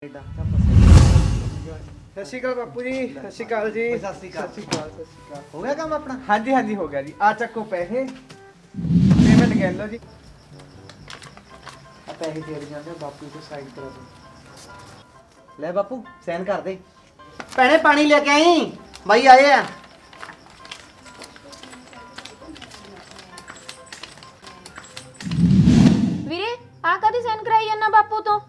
Canada. ਸਤਿ ਸ਼੍ਰੀ ਅਕਾਲ ਬਾਪੂ ਜੀ। ਸਤਿ ਸ਼੍ਰੀ ਅਕਾਲ ਜੀ। ਸਤਿ ਸ਼੍ਰੀ ਅਕਾਲ। ਸਤਿ ਸ਼੍ਰੀ ਅਕਾਲ। ਸਤਿ ਸ਼੍ਰੀ ਅਕਾਲ। ਹੋ ਗਿਆ ਕੰਮ ਆਪਣਾ? ਹਾਂਜੀ ਹਾਂਜੀ ਹੋ ਗਿਆ ਜੀ। ਆ ਚੱਕੋ ਪੈਸੇ, ਪੇਮੈਂਟ ਕਰ ਲਓ ਜੀ। ਆ ਪੈਸੇ ਦੇ ਜਾਂਦੇ ਬਾਪੂ ਤੋਂ ਸਾਈਡ ਕਰਾ ਦੇ। ਲੈ ਬਾਪੂ ਸਾਈਨ ਕਰ ਦੇ। ਭੈਣੇ ਪਾਣੀ ਲੈ ਕੇ ਆਈ, ਬਾਈ ਆਏ ਆ। ਵੀਰੇ ਆ ਕਦੀ ਸਾਈਨ ਕਰਾਈ ਜਾਂਦਾ ਬਾਪੂ ਤੋਂ?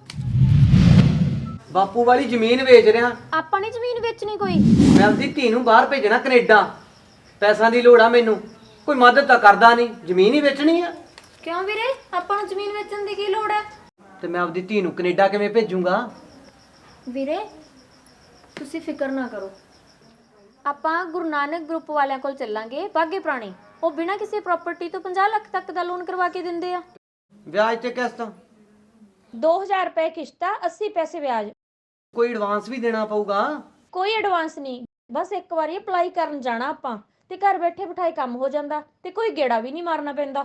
ਬਾਪੂ ਵਾਲੀ ਜ਼ਮੀਨ ਵੇਚ ਰਿਹਾ। ਆਪਾਂ ਨੇ ਜ਼ਮੀਨ ਵੇਚਣੀ ਕੋਈ? ਮੈਂ ਆਪਣੀ ਧੀ ਨੂੰ ਬਾਹਰ ਭੇਜਣਾ ਕੈਨੇਡਾ। ਪੈਸਿਆਂ ਦੀ ਲੋੜ ਆ ਮੈਨੂੰ, ਕੋਈ ਮਦਦ ਤਾਂ ਕਰਦਾ ਨਹੀਂ, ਜ਼ਮੀਨ ਹੀ ਵੇਚਣੀ ਆ। ਕਿਉਂ ਵੀਰੇ, ਆਪਾਂ ਨੂੰ ਜ਼ਮੀਨ ਵੇਚਣ ਦੀ ਕੀ ਲੋੜ ਹੈ? ਤੇ ਮੈਂ ਆਪਣੀ ਧੀ ਨੂੰ ਕੈਨੇਡਾ ਕਿਵੇਂ ਭੇਜੂੰਗਾ? ਵੀਰੇ ਤੁਸੀਂ ਫਿਕਰ ਨਾ ਕਰੋ, ਆਪਾਂ ਗੁਰੂ ਨਾਨਕ ਗਰੁੱਪ ਵਾਲਿਆਂ ਕੋਲ ਚੱਲਾਂਗੇ ਬਾਗੇ ਪੁਰਾਣੇ। ਉਹ ਬਿਨਾਂ ਕਿਸੇ ਪ੍ਰਾਪਰਟੀ ਤੋਂ 50 ਲੱਖ ਤੱਕ ਦਾ ਲੋਨ ਕਰਵਾ ਕੇ ਦਿੰਦੇ ਆ। ਵਿਆਜ ਤੇ ਕਿਸ਼ਤ? 2000 ਰੁਪਏ ਕਿਸ਼ਤ ਆ, 80 ਪੈਸੇ ਵਿਆਜ। ਕੋਈ ਐਡਵਾਂਸ ਵੀ ਦੇਣਾ ਪਊਗਾ? ਕੋਈ ਐਡਵਾਂਸ ਨਹੀਂ, ਬਸ ਇੱਕ ਵਾਰੀ ਅਪਲਾਈ ਕਰਨ ਜਾਣਾ ਆਪਾਂ ਤੇ ਘਰ ਬੈਠੇ ਬਿਠਾਏ ਕੰਮ ਹੋ ਜਾਂਦਾ ਤੇ ਕੋਈ ਗੇੜਾ ਵੀ ਨਹੀਂ ਮਾਰਨਾ ਪੈਂਦਾ।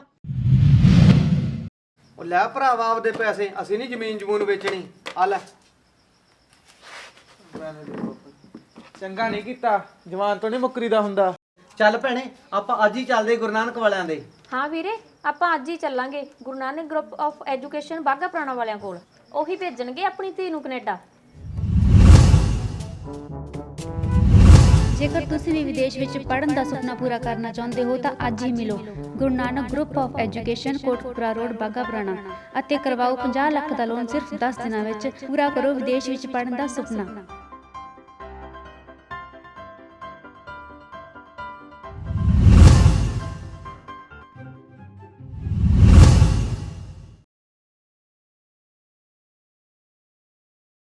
ਉਹ ਲੈ ਭਰਾਵਾ ਆਪਦੇ ਪੈਸੇ, ਅਸੀਂ ਨਹੀਂ ਜ਼ਮੀਨ ਜਮੂਨ ਵੇਚਣੀ। ਆ ਲੈ। ਚੰਗਾ ਨਹੀਂ ਕੀਤਾ, ਜਵਾਨ ਤੋਂ ਨਹੀਂ ਮੁੱਕਰੀਦਾ ਹੁੰਦਾ। ਚੱਲ ਭੈਣੇ ਆਪਾਂ ਅੱਜ ਹੀ ਚੱਲਦੇ ਗੁਰੂ ਨਾਨਕ ਵਾਲਿਆਂ ਦੇ। ਹਾਂ ਵੀਰੇ ਆਪਾਂ ਅੱਜ ਹੀ ਚੱਲਾਂਗੇ Guru Nanak group of education Bagha Purana ਵਾਲਿਆਂ ਕੋਲ। ਉਹੀ ਭੇਜਣਗੇ ਆਪਣੀ ਧੀ ਨੂੰ ਕੈਨੇਡਾ। ਜੇਕਰ ਤੁਸੀਂ ਵੀ ਵਿਦੇਸ਼ ਵਿੱਚ ਪੜ੍ਹਨ ਦਾ ਸੁਪਨਾ ਪੂਰਾ ਕਰਨਾ ਚਾਹੁੰਦੇ ਹੋ ਤਾਂ ਅੱਜ ਹੀ ਮਿਲੋ Guru Nanak group of education, Kotkapura road, Bagha Purana ਅਤੇ ਕਰਵਾਓ 50 ਲੱਖ ਦਾ ਲੋਨ ਸਿਰਫ 10 ਦਿਨਾਂ ਵਿੱਚ। ਪੂਰਾ ਕਰੋ ਵਿਦੇਸ਼ ਵਿੱਚ ਪੜ੍ਹਨ ਦਾ ਸੁਪਨਾ।